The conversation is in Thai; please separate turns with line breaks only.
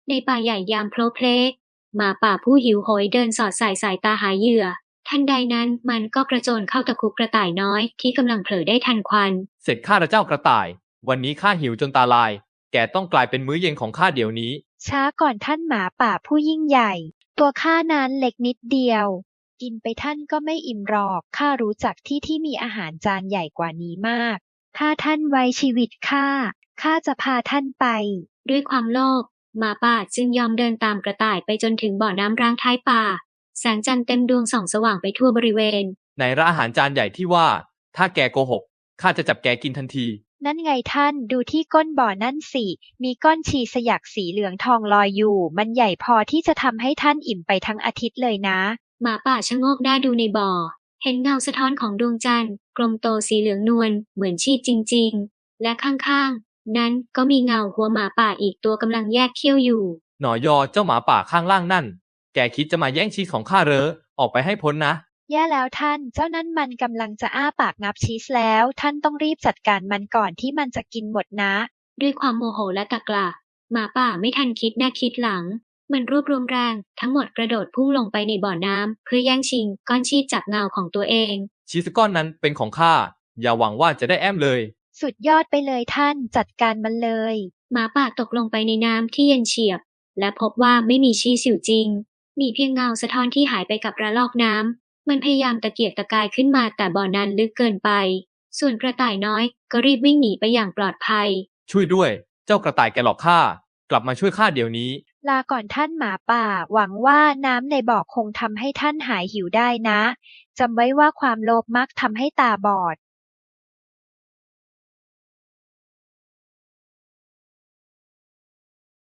ในป่าใหญ่ยามโพลเพลหมาป่าผู้หิวโหยเดินสอดสายตาหาเหยื่อทันใดนั้นมันก็กระโจนเข้าตะคุบกระต่ายน้อยที่กำลังเผลอได้ทันควัน
เสร็จข้าเจ้ากระต่ายวันนี้ข้าหิวจนตาลายแกต้องกลายเป็นมื้อเย็นของข้าเดี๋ยวนี้
ช้าก่อนท่านหมาป่าผู้ยิ่งใหญ่ตัวข้านั้นเล็กนิดเดียวกินไปท่านก็ไม่อิ่มหรอกข้ารู้จักที่มีอาหารจานใหญ่กว่านี้มากถ้าท่านไว้ชีวิตข้าจะพาท่านไป
ด้วยความโลภหมาป่าจึงยอมเดินตามกระต่ายไปจนถึงบ่อน้ำร้างท้ายป่าแสงจันทร์เต็มดวงส่องสว่างไปทั่วบริเวณ
ในร้านอาหารจานใหญ่ที่ว่าถ้าแกโกหกข้าจะจับแกกินทันที
นั่นไงท่านดูที่ก้นบ่อนั่นสิมีก้อนชีสยักสีเหลืองทองลอยอยู่มันใหญ่พอที่จะทำให้ท่านอิ่มไปทั้งอาทิตย์เลยนะ
หมาป่าชะโงกหน้าดูในบ่อเห็นเงาสะท้อนของดวงจันทร์กลมโตสีเหลืองนวลเหมือนชีสจริงๆและข้างๆนั้นก็มีเงาหัวหมาป่าอีกตัวกำลังแยกเขี้ยวอยู่
หนอยอเจ้าหมาป่าข้างล่างนั่นแกคิดจะมาแย่งชีสของข้าเหรอออกไปให้พ้นนะ
แย่แล้วท่านเจ้านั้นมันกำลังจะอ้าปากงับชีสแล้วท่านต้องรีบจัดการมันก่อนที่มันจะกินหมดนะ
ด้วยความโมโหและตะกละหมาป่าไม่ทันคิดหน้าคิดหลังมันรวบรวมแรงทั้งหมดกระโดดพุ่งลงไปในบ่อน้ำเพื่อแย่งชิงก้อนชีสจากเงาของตัวเอง
ชีสก้อนนั้นเป็นของข้าอย่าหวังว่าจะได้แอมเลย
สุดยอดไปเลยท่านจัดการมันเลย
หมาป่าตกลงไปในน้ำที่เย็นเฉียบและพบว่าไม่มีชีสอยู่จริงมีเพียงเงาสะท้อนที่หายไปกับระลอกน้ำมันพยายามตะเกียกตะกายขึ้นมาแต่บ่อนั้นลึกเกินไปส่วนกระต่ายน้อยก็รีบวิ่งหนีไปอย่างปลอดภัย
ช่วยด้วยเจ้ากระต่ายแกหลอกข้ากลับมาช่วยข้าเดี๋ยวนี้
ลาก่อนท่านหมาป่าหวังว่าน้ำในบ่อคงทำให้ท่านหายหิวได้นะจำไว้ว่าความโลภมักทำให้ตาบอด